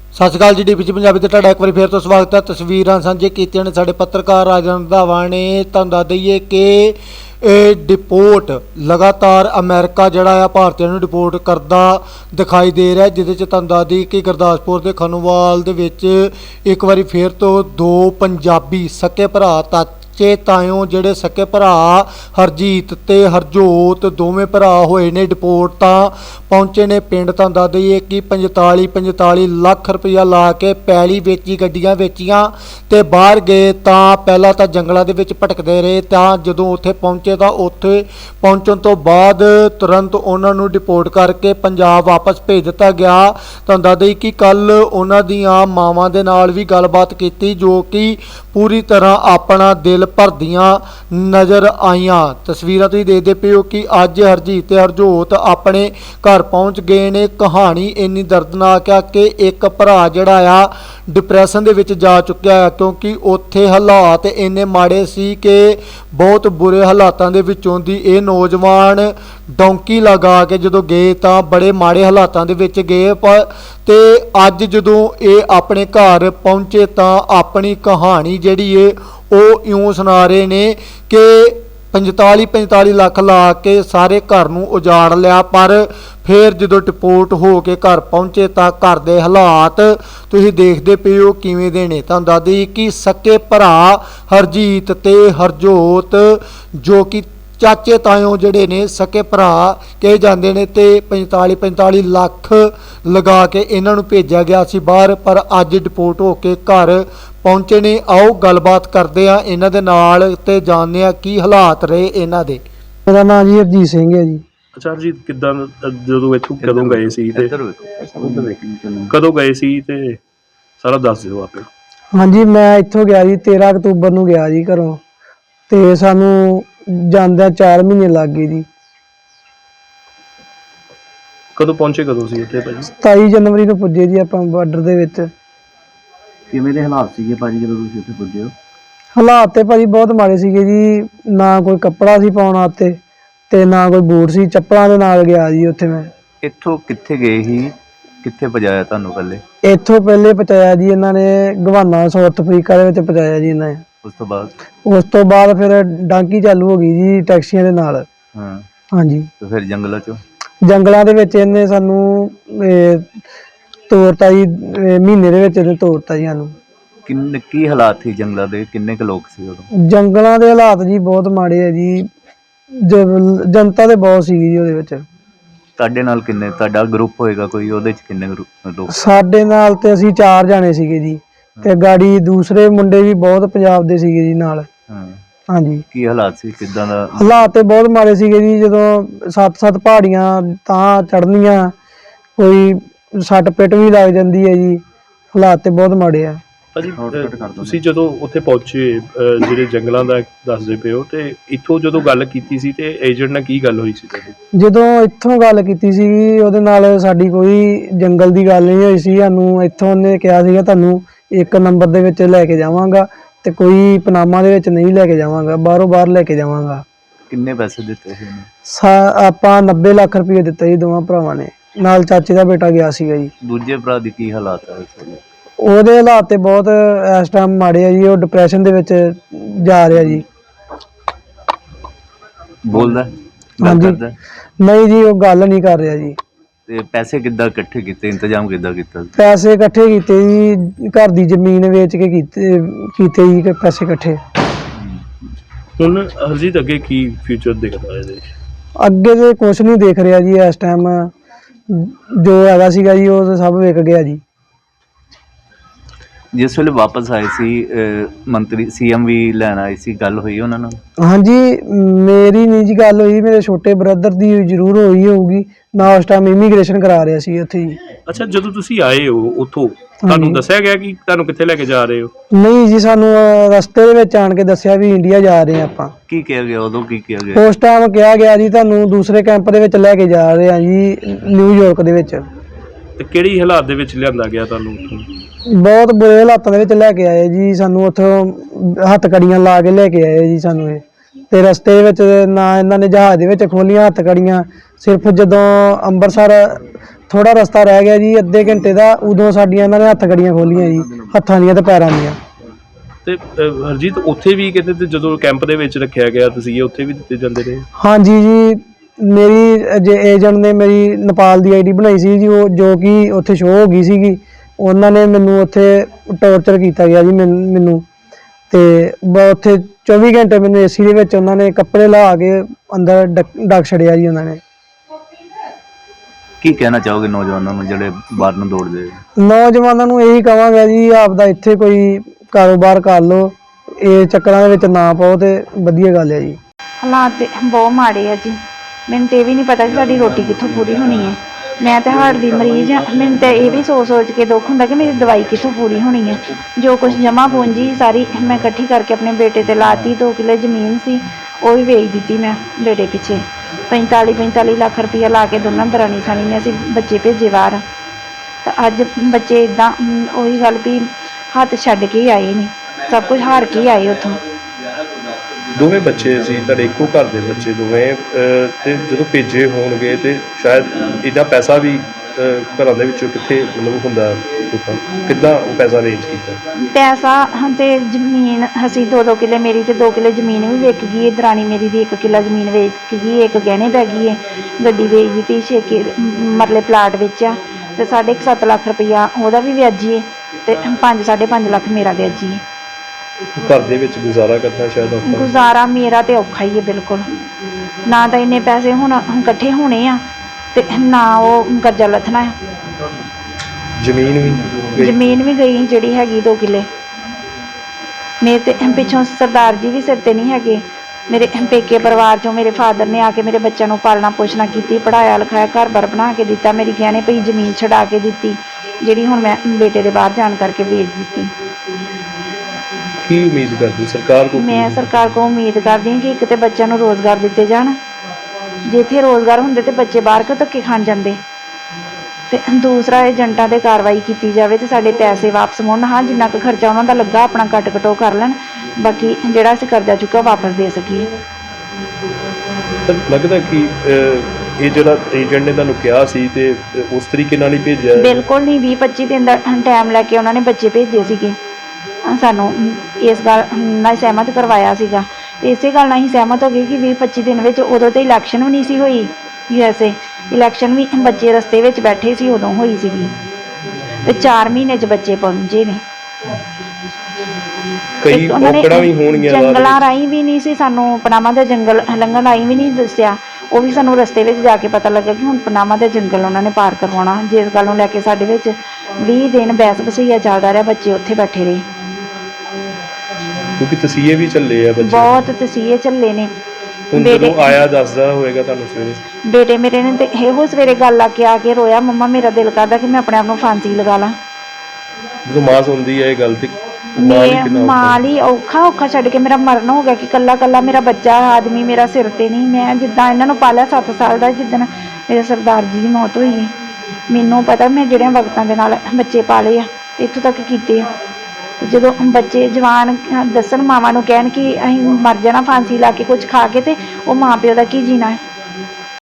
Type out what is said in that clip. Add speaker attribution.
Speaker 1: ਸਤਿ ਸ਼੍ਰੀ ਅਕਾਲ ਜੀ। DPG ਪੰਜਾਬੀ ਤੇ ਤੁਹਾਡਾ ਇੱਕ ਵਾਰੀ ਫੇਰ ਤੋਂ ਸਵਾਗਤ ਹੈ। ਤਸਵੀਰਾਂ ਸਾਂਝੇ ਕੀਤੀਆਂ ਨੇ ਸਾਡੇ ਪੱਤਰਕਾਰ ਰਾਜਨ ਰੰਧਾਵਾ ਨੇ। ਤੁਹਾਨੂੰ ਦੱਸ ਦਈਏ ਕਿ ਇਹ ਡਿਪੋਰਟ ਲਗਾਤਾਰ ਅਮਰੀਕਾ ਜਿਹੜਾ ਆ ਭਾਰਤੀਆਂ ਨੂੰ ਡਿਪੋਰਟ ਕਰਦਾ ਦਿਖਾਈ ਦੇ ਰਿਹਾ, ਜਿਹਦੇ 'ਚ ਤੁਹਾਨੂੰ ਦੱਸ ਦਈਏ ਕਿ ਗੁਰਦਾਸਪੁਰ ਦੇ ਖਨੂਵਾਲ ਦੇ ਵਿੱਚ ਇੱਕ ਵਾਰੀ ਫੇਰ ਤੋਂ ਦੋ ਪੰਜਾਬੀ ਸਕੇ ਭਰਾ ਚਾਚੇ ਤਾਇਓ ਜਿਹੜੇ ਸਕੇ ਭਰਾ ਹਰਜੀਤ ਤੇ ਹਰਜੋਤ ਦੋਵੇਂ ਭਰਾ ਹੋਏ ਨੇ ਡਿਪੋਰਟ ਤਾਂ ਪਹੁੰਚੇ ਨੇ ਪਿੰਡ। ਤੁਹਾਨੂੰ ਦੱਸ ਦਈਏ ਕਿ 45 ਲੱਖ ਰੁਪਈਆ ਲਾ ਕੇ ਪੈਲੀ ਵੇਚੀ, ਗੱਡੀਆਂ ਵੇਚੀਆਂ ਤੇ ਬਾਹਰ ਗਏ। ਤਾਂ ਪਹਿਲਾਂ ਤਾਂ ਜੰਗਲਾਂ ਦੇ ਵਿੱਚ ਭਟਕਦੇ ਰਹੇ, ਤਾਂ ਜਦੋਂ ਉੱਥੇ ਪਹੁੰਚੇ ਤਾਂ ਉੱਥੇ ਪਹੁੰਚਣ ਤੋਂ ਬਾਅਦ ਤੁਰੰਤ ਉਹਨਾਂ ਨੂੰ ਡਿਪੋਰਟ ਕਰਕੇ ਪੰਜਾਬ ਵਾਪਸ ਭੇਜ ਦਿੱਤਾ ਗਿਆ। ਤੁਹਾਨੂੰ ਦੱਸ ਦਈਏ ਕਿ ਕੱਲ ਉਹਨਾਂ ਦੀਆਂ ਮਾਵਾਂ ਦੇ ਨਾਲ ਵੀ ਗੱਲਬਾਤ ਕੀਤੀ, ਜੋ ਕਿ ਪੂਰੀ ਤਰ੍ਹਾਂ ਆਪਣਾ ਦਿਲ ਭਰਦੀਆਂ ਨਜ਼ਰ ਆਈਆਂ। ਤਸਵੀਰਾਂ ਤੁਸੀਂ ਦੇਖਦੇ ਪਏ ਹੋ ਕਿ ਅੱਜ ਹਰਜੀਤ ਤੇ ਹਰਜੋਤ ਆਪਣੇ ਘਰ ਪਹੁੰਚ ਗਏ ਨੇ। ਕਹਾਣੀ ਇੰਨੀ ਦਰਦਨਾਕ ਆ ਕਿ ਇੱਕ ਭਰਾ ਜਿਹੜਾ ਆ ਡਿਪਰੈਸ਼ਨ ਦੇ ਵਿੱਚ ਜਾ ਚੁੱਕਿਆ ਹੈ, ਕਿਉਂਕਿ ਉੱਥੇ ਹਾਲਾਤ ਇੰਨੇ ਮਾੜੇ ਸੀ ਕਿ ਬਹੁਤ ਬੁਰੇ ਹਾਲਾਤਾਂ ਦੇ ਵਿੱਚੋਂ ਦੀ ਇਹ ਨੌਜਵਾਨ ਡੌਂਕੀ ਲਗਾ ਕੇ ਜਦੋਂ ਗਏ ਤਾਂ ਬੜੇ ਮਾੜੇ ਹਾਲਾਤਾਂ ਦੇ ਵਿੱਚ ਗਏ। ਤੇ ਅੱਜ ਜਦੋਂ ਇਹ ਆਪਣੇ ਘਰ ਪਹੁੰਚੇ ਤਾਂ ਆਪਣੀ ਕਹਾਣੀ ਜਿਹੜੀ ਏ ਉਹ ਇਉਂ ਸੁਣਾ ਰਹੇ ਨੇ ਕਿ 45 ਲੱਖ ਲਾ ਕੇ ਸਾਰੇ ਘਰ ਨੂੰ ਉਜਾੜ ਲਿਆ, ਪਰ ਫਿਰ ਜਦੋਂ ਡਿਪੋਰਟ ਹੋ ਕੇ ਘਰ ਪਹੁੰਚੇ ਤਾਂ ਘਰ ਦੇ ਹਾਲਾਤ ਤੁਸੀਂ ਦੇਖਦੇ ਪਏ ਹੋ ਕਿਵੇਂ ਦੇ ਨੇ। ਤੁਹਾਨੂੰ ਦੱਸ ਦਈਏ ਕਿ ਸਕੇ ਭਰਾ ਹਰਜੀਤ ਤੇ ਹਰਜੋਤ ਜੋ ਕਿ ਚਾਚੇ ਤਾਇਓ ਜਿਹੜੇ ਨੇ ਸਕੇ ਭਰਾ ਕਹੇ ਜਾਂਦੇ ਨੇ, ਤੇ 45 ਲੱਖ ਲਗਾ ਕੇ ਇਹਨਾਂ ਨੂੰ ਭੇਜਿਆ ਗਿਆ ਸੀ ਬਾਹਰ, ਪਰ ਅੱਜ ਡਿਪੋਰਟ ਹੋ ਕੇ ਘਰ ਪਹੁੰਚੇ ਨੇ। ਆਓ ਗੱਲਬਾਤ ਕਰਦੇ ਆ ਇਹਨਾਂ ਦੇ ਨਾਲ ਤੇ ਜਾਣਦੇ ਆ ਕੀ ਹਾਲਾਤ ਰਹੇ ਇਹਨਾਂ ਦੇ।
Speaker 2: ਮੇਰਾ ਨਾਮ ਜੀ ਹਰਜੀਤ ਸਿੰਘ ਹੈ ਜੀ।
Speaker 3: ਅੱਛਾ ਹਰਜੀਤ, ਕਿੱਦਾਂ ਜਦੋਂ ਇੱਥੋਂ ਕਦੋਂ ਗਏ ਸੀ ਤੇ ਕਦੋਂ ਗਏ ਸੀ ਤੇ ਸਾਰਾ ਦੱਸ ਦਿਓ ਆਪੇ।
Speaker 2: ਹਾਂਜੀ, ਮੈਂ ਇੱਥੋਂ ਗਿਆ ਜੀ 13 ਅਕਤੂਬਰ ਨੂੰ ਗਿਆ ਜੀ ਘਰੋਂ, ਤੇ ਸਾਨੂੰ ਜਾਂਦਿਆਂ 4 ਮਹੀਨੇ ਲੱਗ ਗਏ ਜੀ।
Speaker 3: ਕਦੋਂ ਪਹੁੰਚੇ ਕਦੋਂ ਸੀ ਇੱਥੇ ਭਾਜੀ?
Speaker 2: 27 ਜਨਵਰੀ ਨੂੰ ਪੁੱਜੇ ਜੀ ਆਪਾਂ ਬਾਰਡਰ ਦੇ ਵਿੱਚ।
Speaker 4: ਕਿਵੇਂ ਦੇ ਹਾਲਾਤ ਸੀਗੇ ਭਾਜੀ ਜਦੋਂ ਤੁਸੀਂ ਉੱਥੇ ਪੁੱਜੇ ਹੋ?
Speaker 2: ਹਾਲਾਤ ਤੇ ਭਾਜੀ ਬਹੁਤ ਮਾੜੇ ਸੀਗੇ ਜੀ। ਨਾ ਕੋਈ ਕੱਪੜਾ ਸੀ ਪਾਉਣ ਵਾਸਤੇ ਤੇ ਨਾ ਕੋਈ ਬੂਟ ਸੀ, ਚੱਪਲਾਂ ਦੇ ਨਾਲ ਗਿਆ ਜੀ ਉੱਥੇ ਮੈਂ।
Speaker 4: ਇੱਥੋਂ ਕਿੱਥੇ ਗਏ ਸੀ, ਕਿੱਥੇ ਪਹੁੰਚਾਇਆ ਤੁਹਾਨੂੰ ਪਹਿਲੇ?
Speaker 2: ਇੱਥੋਂ ਪਹਿਲੇ ਪਹੁੰਚਾਇਆ ਜੀ ਇਹਨਾਂ ਨੇ ਗਵਾਨਾ, ਸਾਊਥ ਅਫਰੀਕਾ ਦੇ ਵਿੱਚ ਪਹੁੰਚਾਇਆ ਜੀ ਇਹਨਾਂ ਨੇ। ਉਸ ਤੋਂ ਬਾਅਦ ਫਿਰ ਡਾਂਕੀ ਚਾਲੂ ਹੋ ਗਈ ਜੀ ਟੈਕਸੀਆਂ ਦੇ ਨਾਲ। ਹਾਂਜੀ,
Speaker 4: ਤੇ ਫਿਰ
Speaker 2: ਜੰਗਲਾਂ ਦੇ ਵਿੱਚ ਇਹਨੇ ਸਾਨੂੰ ਤੋਰਤਾ ਜੀ, ਮਹੀਨੇ ਦੇ ਵਿੱਚ ਇਹਨੇ ਤੋਰਤਾ ਜੀ ਸਾਨੂੰ।
Speaker 4: ਕੀ ਹਾਲਾਤ ਸੀ ਜੰਗਲਾਂ ਦੇ? ਕਿੰਨੇ ਕੁ ਲੋਕ ਸੀ ਉਦੋਂ?
Speaker 2: ਜੰਗਲਾਂ ਦੇ ਹਾਲਾਤ ਜੀ ਬਹੁਤ ਮਾੜੇ ਆ ਜੀ। ਜਨਤਾ ਤੇ ਬਹੁਤ ਸੀਗੀ ਜੀ ਉਹਦੇ ਵਿੱਚ।
Speaker 4: ਤੁਹਾਡੇ ਨਾਲ ਕਿੰਨੇ, ਤੁਹਾਡਾ ਗਰੁੱਪ ਹੋਏਗਾ ਕੋਈ, ਉਹਦੇ ਚ ਕਿੰਨੇ ਲੋਕ?
Speaker 2: ਸਾਡੇ ਨਾਲ ਤੇ ਅਸੀਂ 4 ਜਾਣੇ ਸੀਗੇ ਜੀ, ਤੇ ਗਾੜੀ ਦੂਸਰੇ ਮੁੰਡੇ ਵੀ ਬਹੁਤ ਪੰਜਾਬ ਦੇ ਸੀਗੇ ਜੀ ਨਾਲ। ਹਾਂਜੀ।
Speaker 4: ਕੀ ਹਾਲਾਤ ਸੀ, ਕਿੱਦਾਂ ਦਾ?
Speaker 2: ਹਾਲਾਤ ਤੇ ਬਹੁਤ ਮਾੜੇ ਸੀਗੇ ਜੀ। ਜਦੋਂ 7 ਪਹਾੜੀਆਂ ਤਾਂ ਚੜ੍ਹਨੀਆਂ, ਕੋਈ ਸੱਟ ਪਿੱਟ ਵੀ ਲੱਗ ਜਾਂਦੀ ਹੈ ਜੀ। ਹਾਲਾਤ ਤੇ ਬਹੁਤ ਮਾੜੇ ਆ
Speaker 3: ਭਾਜੀ। ਤੁਸੀਂ ਜਦੋਂ ਉੱਥੇ ਪਹੁੰਚੇ, ਜਿਹੜੇ ਜੰਗਲਾਂ ਦਾ ਦੱਸਦੇ ਪਏ ਹੋ, ਤੇ ਇੱਥੋਂ ਜਦੋਂ ਗੱਲ ਕੀਤੀ ਸੀ ਤੇ ਏਜੰਟ ਨਾਲ ਕੀ ਗੱਲ ਹੋਈ ਸੀ ਤੁਹਾਡੀ?
Speaker 2: ਜਦੋਂ ਇੱਥੋਂ ਗੱਲ ਕੀਤੀ ਸੀ ਉਹਦੇ ਨਾਲ ਸਾਡੀ ਕੋਈ ਜੰਗਲ ਦੀ ਗੱਲ ਨਹੀਂ ਹੋਈ ਸੀ। ਸਾਨੂੰ ਇੱਥੋਂ ਉਹਨੇ ਕਿਹਾ ਸੀਗਾ ਤੁਹਾਨੂੰ 1 ਨੰਬਰ ਦੇ ਵਿੱਚ ਲੈ ਕੇ ਜਾਵਾਂਗਾ ਤੇ ਕੋਈ ਪਨਾਮਾ ਦੇ ਵਿੱਚ ਨਹੀਂ ਲੈ ਕੇ ਜਾਵਾਂਗਾ, ਬਾਹਰੋਂ ਬਾਹਰ ਲੈ ਕੇ ਜਾਵਾਂਗਾ।
Speaker 4: ਕਿੰਨੇ ਪੈਸੇ ਦਿੱਤੇ ਸੀ ਉਹਨੇ?
Speaker 2: ਆਪਾਂ 90 ਲੱਖ ਰੁਪਏ ਦਿੱਤੇ ਜੀ ਦੋਵਾਂ ਭਰਾਵਾਂ ਨੇ, ਨਾਲ ਚਾਚੇ ਦਾ ਬੇਟਾ ਗਿਆ ਸੀਗਾ ਜੀ।
Speaker 4: ਦੂਜੇ ਭਰਾ ਦੀ ਕੀ ਹਾਲਾਤ ਹੈ?
Speaker 2: ਉਹਦੇ ਹਾਲਾਤ ਤੇ ਬਹੁਤ ਇਸ ਟਾਈਮ ਮਾੜੇ ਆ ਜੀ। ਉਹ ਡਿਪਰੈਸ਼ਨ ਦੇ ਵਿੱਚ ਜਾ ਰਿਹਾ ਜੀ।
Speaker 4: ਬੋਲਦਾ?
Speaker 2: ਹਾਂਜੀ, ਨਹੀਂ ਜੀ, ਉਹ ਗੱਲ ਨਹੀਂ ਕਰ ਰਿਹਾ ਜੀ।
Speaker 4: ਤੇ ਪੈਸੇ ਕਿੱਦਾਂ ਇਕੱਠੇ ਕੀਤੇ, ਇੰਤਜ਼ਾਮ ਕਿੱਦਾਂ ਕੀਤਾ?
Speaker 2: ਪੈਸੇ ਇਕੱਠੇ ਕੀਤੇ ਜੀ, ਘਰ ਦੀ ਜ਼ਮੀਨ ਵੇਚ ਕੇ ਕੀਤੇ ਜੀ ਪੈਸੇ ਇਕੱਠੇ।
Speaker 3: ਹੁਣ ਹਰਜੀਤ ਅੱਗੇ ਕੀ ਫਿਊਚਰ ਦਿਖਦਾ ਇਹਦੇ?
Speaker 2: ਅੱਗੇ ਤੇ ਕੁਛ ਨਹੀਂ ਦੇਖ ਰਿਹਾ ਜੀ ਇਸ ਟਾਈਮ। ਜੋ ਹੈਗਾ ਸੀਗਾ ਜੀ ਉਹ ਸਭ ਵਿਕ ਗਿਆ ਜੀ।
Speaker 4: ਜਿਸ ਵੇਲੇ ਵਾਪਸ ਆਏ ਸੀ ਮੰਤਰੀ CM ਵੀ ਲੈਣ ਆਏ ਸੀ, ਗੱਲ ਹੋਈ ਉਹਨਾਂ ਨਾਲ?
Speaker 2: ਹਾਂਜੀ, ਮੇਰੀ ਨਹੀਂ ਜੀ ਗੱਲ ਹੋਈ, ਮੇਰੇ ਛੋਟੇ ਬ੍ਰਦਰ ਦੀ ਜ਼ਰੂਰ ਹੋਈ ਹੋਊਗੀ। ਮੈਂ ਉਸ ਟਾਈਮ ਇਮੀਗ੍ਰੇਸ਼ਨ ਕਰਾ ਰਿਹਾ ਸੀ ਉੱਥੇ ਜੀ।
Speaker 3: ਅੱਛਾ, ਜਦੋਂ ਤੁਸੀਂ ਆਏ ਹੋ ਉੱਥੋਂ ਤੁਹਾਨੂੰ ਦੱਸਿਆ ਗਿਆ ਕਿ ਤੁਹਾਨੂੰ ਕਿੱਥੇ ਲੈ ਕੇ ਜਾ ਰਹੇ ਹੋ?
Speaker 2: ਨਹੀਂ ਜੀ, ਸਾਨੂੰ ਰਸਤੇ ਦੇ ਵਿੱਚ ਆਣ ਕੇ ਦੱਸਿਆ ਵੀ ਇੰਡੀਆ ਜਾ ਰਹੇ ਆਪਾਂ।
Speaker 4: ਕੀ ਕਿਹਾ ਗਿਆ ਉਦੋਂ, ਕੀ ਕਿਹਾ ਗਿਆ?
Speaker 2: ਉਸ ਟਾਈਮ ਕਿਹਾ ਗਿਆ ਜੀ ਤੁਹਾਨੂੰ ਦੂਸਰੇ ਕੈਂਪ ਦੇ ਵਿੱਚ ਲੈ ਕੇ ਜਾ ਰਹੇ ਆ ਜੀ, ਨਿਊਯਾਰਕ ਦੇ ਵਿੱਚ।
Speaker 3: ਤੇ ਕਿਹੜੀ ਹਾਲਾਤ ਦੇ ਵਿੱਚ ਲਿਆਂਦਾ ਗਿਆ ਤੁਹਾਨੂੰ ਉੱਥੋਂ?
Speaker 2: ਬਹੁਤ ਬੁਰੇ ਹਾਲਾਤਾਂ ਦੇ ਵਿੱਚ ਲੈ ਕੇ ਆਏ ਜੀ ਸਾਨੂੰ। ਉੱਥੋਂ ਹੱਥ ਕੜੀਆਂ ਲਾ ਕੇ ਲੈ ਕੇ ਆਏ ਜੀ ਸਾਨੂੰ ਇਹ। ਤੇ ਰਸਤੇ ਦੇ ਵਿੱਚ ਨਾ ਇਹਨਾਂ ਨੇ ਜਹਾਜ਼ ਦੇ ਵਿੱਚ ਖੋਲੀਆਂ ਹੱਥ ਕੜੀਆਂ, ਸਿਰਫ ਜਦੋਂ ਅੰਮ੍ਰਿਤਸਰ ਥੋੜਾ ਰਸਤਾ ਰਹਿ ਗਿਆ ਜੀ ਅੱਧੇ ਘੰਟੇ ਦਾ, ਉਦੋਂ ਸਾਡੀਆਂ ਇਹਨਾਂ ਨੇ ਹੱਥ ਗੜੀਆਂ ਖੋਲੀਆਂ ਜੀ, ਹੱਥਾਂ ਦੀਆਂ ਤੇ ਪੈਰਾਂ ਦੀਆਂ।
Speaker 3: ਤੇ ਹਰਜੀਤ ਉੱਥੇ ਵੀ ਕਿਤੇ ਤੇ ਜਦੋਂ ਕੈਂਪ ਦੇ ਵਿੱਚ ਰੱਖਿਆ ਗਿਆ ਤੁਸੀਂ ਉੱਥੇ ਵੀ ਦਿੱਤੇ ਜਾਂਦੇ ਰਹੇ?
Speaker 2: ਹਾਂਜੀ ਜੀ, ਮੇਰੀ ਜੇ ਏਜੰਟ ਨੇ ਮੇਰੀ ਨੇਪਾਲ ਦੀ ਆਈਡੀ ਬਣਾਈ ਸੀ ਜੀ, ਉਹ ਜੋ ਕਿ ਉੱਥੇ ਸ਼ੋਅ ਹੋ ਗਈ ਸੀਗੀ, ਉਹਨਾਂ ਨੇ ਮੈਨੂੰ ਉੱਥੇ ਟੌਰਚਰ ਕੀਤਾ ਗਿਆ ਜੀ ਮੈਨੂੰ। ਤੇ ਉੱਥੇ 24 ਘੰਟੇ ਮੈਨੂੰ ਏਸੀ ਦੇ ਵਿੱਚ ਉਹਨਾਂ ਨੇ ਕੱਪੜੇ ਲਾ ਕੇ ਅੰਦਰ ਡੱਕ ਛੜਿਆ ਜੀ ਉਹਨਾਂ ਨੇ।
Speaker 4: ਕੀ ਕਹਿਣਾ ਚਾਹੋਗੇ ਨੌਜਵਾਨਾਂ ਨੂੰ ਜਿਹੜੇ ਬਾਹਰ ਨੂੰ ਦੌੜਦੇ?
Speaker 2: ਨੌਜਵਾਨਾਂ ਨੂੰ ਇਹੀ ਕਹਾਂਗਾ ਜੀ, ਆਪਦਾ ਇੱਥੇ ਕੋਈ ਕਾਰੋਬਾਰ ਕਰ ਲਓ, ਇਹ ਚੱਕਰਾਂ ਦੇ ਵਿੱਚ ਨਾ ਪਾਓ ਤੇ ਵਧੀਆ ਗੱਲ ਹੈ ਜੀ।
Speaker 5: ਹਾਲਾਤ ਤੇ ਬਹੁਤ ਮਾੜੇ ਆ ਜੀ, ਮੈਨੂੰ ਤੇ ਇਹ ਵੀ ਨਹੀਂ ਪਤਾ ਕਿ ਸਾਡੀ ਰੋਟੀ ਕਿੱਥੋਂ ਪੂਰੀ ਹੋਣੀ ਹੈ। ਮੈਂ ਤਾਂ ਹਾਰਟ ਦੀ ਮਰੀਜ਼ ਹਾਂ, ਮੈਨੂੰ ਤਾਂ ਇਹ ਵੀ ਸੋਚ ਕੇ ਦੁੱਖ ਹੁੰਦਾ ਕਿ ਮੇਰੀ ਦਵਾਈ ਕਿੱਥੋਂ ਪੂਰੀ ਹੋਣੀ ਹੈ। ਜੋ ਕੁਛ ਜਮ੍ਹਾਂ ਪੂੰਜੀ ਸਾਰੀ ਮੈਂ ਇਕੱਠੀ ਕਰਕੇ ਆਪਣੇ ਬੇਟੇ ਤੇ ਲਾਤੀ। 2 ਕਿੱਲੇ ਜ਼ਮੀਨ ਸੀ ਉਹ ਵੀ ਵੇਚ ਦਿੱਤੀ ਮੈਂ ਬੇਟੇ ਪਿੱਛੇ। 45 ਲੱਖ ਰੁਪਈਆ ਲਾ ਕੇ ਦੋਨਾਂ ਦਰਾਣੀ ਸਾਣੀ ਨੇ ਅਸੀਂ ਬੱਚੇ ਭੇਜੇ ਬਾਹਰ। ਤਾਂ ਅੱਜ ਬੱਚੇ ਇੱਦਾਂ ਉਹੀ ਗੱਲ ਵੀ ਹੱਥ ਛੱਡ ਕੇ ਹੀ ਆਏ ਨੇ, ਸਭ ਕੁਝ ਹਾਰ ਕੇ ਹੀ ਆਏ ਉੱਥੋਂ।
Speaker 3: ਦੋਵੇਂ ਬੱਚੇ ਸੀ ਤੁਹਾਡੇ, ਇੱਕੋ ਘਰ ਦੇ ਬੱਚੇ ਦੋਵੇਂ, ਤੇ ਜਦੋਂ ਭੇਜੇ ਹੋਣਗੇ ਤੇ ਸ਼ਾਇਦ ਇਹਦਾ ਪੈਸਾ ਵੀ ਘਰਾਂ ਦੇ ਵਿੱਚੋਂ ਕਿੱਥੇ ਮਤਲਬ ਹੁੰਦਾ, ਲੋਕਾਂ ਕਿੱਦਾਂ ਉਹ ਪੈਸਾ ਅਰੇਂਜ ਕੀਤਾ?
Speaker 5: ਪੈਸਾ ਤੇ ਜ਼ਮੀਨ ਅਸੀਂ 2 ਕਿੱਲੇ, ਮੇਰੀ ਤੇ 2 ਕਿੱਲੇ ਜ਼ਮੀਨ ਵੀ ਵਿਕ ਗਈ ਹੈ, ਦਰਾਣੀ ਮੇਰੀ ਦੀ 1 ਕਿੱਲਾ ਜ਼ਮੀਨ ਵਿਕ ਗਈ, 1 ਗਹਿਣੇ ਪੈ ਗਈ ਹੈ, ਗੱਡੀ ਵੇਚ ਦਿੱਤੀ, 6 ਮਰਲੇ ਪਲਾਟ ਵੇਚਿਆ ਤੇ 7.5 ਲੱਖ ਰੁਪਈਆ ਉਹਦਾ ਵੀ ਵਿਆਜੀ ਹੈ ਤੇ 5.5 ਲੱਖ ਮੇਰਾ ਵਿਆਜੀ ਹੈ।
Speaker 3: ਘਰ ਦੇ ਵਿੱਚ ਗੁਜ਼ਾਰਾ ਕਰਨਾ ਸ਼ਾਇਦ ਔਖਾ?
Speaker 5: ਗੁਜ਼ਾਰਾ ਮੇਰਾ ਤੇ ਔਖਾ ਹੀ ਹੈ ਬਿਲਕੁਲ, ਨਾ ਤਾਂ ਇੰਨੇ ਪੈਸੇ ਹੁਣ ਇਕੱਠੇ ਹੋਣੇ ਆ ਤੇ ਨਾ ਉਹ ਕਰਜ਼ਾ ਲੱਥਣਾ ਹੈ।
Speaker 3: ਜ਼ਮੀਨ ਵੀ
Speaker 5: ਗਈ ਜਿਹੜੀ ਹੈਗੀ 2 ਕਿੱਲੇ। ਮੇਰੇ ਤੇ ਪਿੱਛੋਂ ਸਰਦਾਰ ਜੀ ਵੀ ਸਿਰ ਤੇ ਨਹੀਂ ਹੈਗੇ, ਮੇਰੇ ਪੇਕੇ ਪਰਿਵਾਰ ਚੋਂ ਮੇਰੇ ਫਾਦਰ ਨੇ ਆ ਕੇ ਮੇਰੇ ਬੱਚਿਆਂ ਨੂੰ ਪਾਲਣਾ ਪੋਸ਼ਣਾ ਕੀਤੀ, ਪੜ੍ਹਾਇਆ ਲਿਖਾਇਆ, ਘਰ-ਬਾਰ ਬਣਾ ਕੇ ਦਿੱਤਾ, ਮੇਰੀ ਗਹਿਣੇ ਪਈ ਜ਼ਮੀਨ ਛਡਾ ਕੇ ਦਿੱਤੀ ਜਿਹੜੀ ਹੁਣ ਮੈਂ ਬੇਟੇ ਦੇ ਬਾਹਰ ਜਾਣ ਕਰਕੇ ਵੇਚ ਦਿੱਤੀ।
Speaker 3: ਕੀ ਉਮੀਦ ਕਰਦੀ ਸਰਕਾਰ ਕੋਲ?
Speaker 5: ਮੈਂ ਸਰਕਾਰ ਕੋਲ ਉਮੀਦ ਕਰਦੀ ਹਾਂ ਕਿ ਇੱਕ ਤੇ ਬੱਚਿਆਂ ਨੂੰ ਰੋਜ਼ਗਾਰ ਦਿੱਤੇ ਜਾਣ, ਜੇ ਇੱਥੇ ਰੋਜ਼ਗਾਰ ਹੁੰਦੇ ਤੇ ਬੱਚੇ ਬਾਹਰ ਕਿਉਂ ਧੱਕੇ ਖਾਣ ਜਾਂਦੇ, ਤੇ ਦੂਸਰਾ ਏਜੰਟਾਂ 'ਤੇ ਕਾਰਵਾਈ ਕੀਤੀ ਜਾਵੇ ਤੇ ਸਾਡੇ ਪੈਸੇ ਵਾਪਸ ਮੁੜਨ। ਹਾਂ, ਜਿੰਨਾ ਕੁ ਖਰਚਾ ਉਹਨਾਂ ਦਾ ਲੱਗਾ ਆਪਣਾ ਕੱਟ ਕਟੋ ਕਰ ਲੈਣ, ਬਾਕੀ ਜਿਹੜਾ ਅਸੀਂ ਕਰਜ਼ਾ ਚੁੱਕਿਆ ਵਾਪਸ ਦੇ ਸਕੀਏ।
Speaker 3: ਸਰ ਲੱਗਦਾ ਕਿ ਇਹ ਜਿਹੜਾ ਏਜੰਟ ਨੇ ਤੁਹਾਨੂੰ ਕਿਹਾ ਸੀ ਤੇ ਉਸ ਤਰੀਕੇ ਨਾਲ ਹੀ ਭੇਜਿਆ?
Speaker 5: ਬਿਲਕੁਲ ਨਹੀਂ, 20-25 ਦਿਨ ਦਾ ਟਾਈਮ ਲੈ ਕੇ ਉਹਨਾਂ ਨੇ ਬੱਚੇ ਭੇਜੇ ਸੀਗੇ, ਸਾਨੂੰ ਇਸ ਗੱਲ ਨਾਲ ਸਹਿਮਤ ਕਰਵਾਇਆ ਸੀਗਾ। ਇਸੇ ਗੱਲ ਨਾਲ ਹੀ ਸਹਿਮਤ ਹੋ ਗਏ ਕਿ 20-25 ਦਿਨ ਵਿੱਚ, ਉਦੋਂ ਤਾਂ ਇਲੈਕਸ਼ਨ ਵੀ ਨਹੀਂ ਸੀ ਹੋਈ USA, ਇਲੈਕਸ਼ਨ ਵੀ ਬੱਚੇ ਰਸਤੇ ਵਿੱਚ ਬੈਠੇ ਸੀ ਉਦੋਂ ਹੋਈ ਸੀਗੀ, ਤੇ 4 ਮਹੀਨੇ 'ਚ ਬੱਚੇ ਪਹੁੰਚੇ ਨੇ।
Speaker 3: ਕਈ ਔਕੜਾਂ ਵੀ ਹੋਣਗੀਆਂ,
Speaker 5: ਜੰਗਲਾਂ ਰਾਹੀਂ ਵੀ ਨਹੀਂ ਸੀ ਸਾਨੂੰ, ਪਨਾਮਾ ਦੇ ਜੰਗਲ ਲੰਘਣ ਰਾਹੀਂ ਵੀ ਨਹੀਂ ਦੱਸਿਆ, ਉਹ ਵੀ ਸਾਨੂੰ ਰਸਤੇ ਵਿੱਚ ਜਾ ਕੇ ਪਤਾ ਲੱਗਾ ਕਿ ਹੁਣ ਪਨਾਮਾ ਦੇ ਜੰਗਲ ਉਹਨਾਂ ਨੇ ਪਾਰ ਕਰਵਾਉਣਾ। ਜਿਸ ਗੱਲ ਨੂੰ ਲੈ ਕੇ ਸਾਡੇ ਵਿੱਚ 20 ਦਿਨ ਬਹਿਸ ਬਸਈਆ ਚੱਲਦਾ ਰਿਹਾ, ਬੱਚੇ ਉੱਥੇ ਬੈਠੇ ਰਹੇ।
Speaker 3: ਕਿਉਂਕਿ ਤਸੀਹੇ ਵੀ ਝੱਲੇ ਆ ਬੱਚੇ, ਬਹੁਤ
Speaker 5: ਤਸੀਹੇ ਝੱਲੇ ਨੇ।
Speaker 3: ਹੁਣ ਜਦੋਂ ਆਇਆ ਦੱਸਦਾ ਹੋਏਗਾ ਤੁਹਾਨੂੰ ਸਵੇਰੇ?
Speaker 5: ਬੇਟੇ ਮੇਰੇ ਨੇ ਤੇ ਇਹੋ ਸਵੇਰੇ ਗੱਲ ਆ ਕੇ ਰੋਇਆ, ਮੰਮਾ ਮੇਰਾ ਦਿਲ ਕਰਦਾ ਕਿ ਮੈਂ ਆਪਣੇ ਆਪ ਨੂੰ ਫਾਂਸੀ ਲਗਾ ਲਾਂ।
Speaker 3: ਜਦੋਂ ਮਾਂ ਸੁਣਦੀ ਹੈ ਇਹ ਗੱਲ ਤੇ
Speaker 5: ਮਾਂ ਲਈ ਔਖਾ ਛੱਡ ਕੇ ਮੇਰਾ ਮਰਨ ਹੋ ਗਿਆ ਕਿ ਕੱਲਾ ਮੇਰਾ ਬੱਚਾ ਆਦਮੀ ਮੇਰਾ ਸਿਰ ਤੇ ਨਹੀਂ। ਮੈਂ ਜਿੱਦਾਂ ਇਹਨਾਂ ਨੂੰ ਪਾਲਿਆ 7 ਸਾਲ ਦਾ, ਜਿੱਦਣ ਮੇਰੇ ਸਰਦਾਰ ਜੀ ਦੀ ਮੌਤ ਹੋਈ ਹੈ, ਮੈਨੂੰ ਪਤਾ ਮੈਂ ਜਿਹੜਿਆਂ ਵਕਤਾਂ ਦੇ ਨਾਲ ਬੱਚੇ ਪਾਲੇ ਆ ਇੱਥੋਂ ਤੱਕ ਕੀਤੇ ਆ। ਜਦੋਂ ਬੱਚੇ ਜਵਾਨ ਦੱਸਣ ਮਾਵਾਂ ਨੂੰ ਕਹਿਣ ਕਿ ਅਸੀਂ ਮਰ ਜਾਣਾ ਫਾਂਸੀ ਲਾ ਕੇ ਕੁਝ ਖਾ ਕੇ, ਤੇ ਉਹ ਮਾਂ ਪਿਓ ਦਾ ਕੀ ਜੀਣਾ ਹੈ।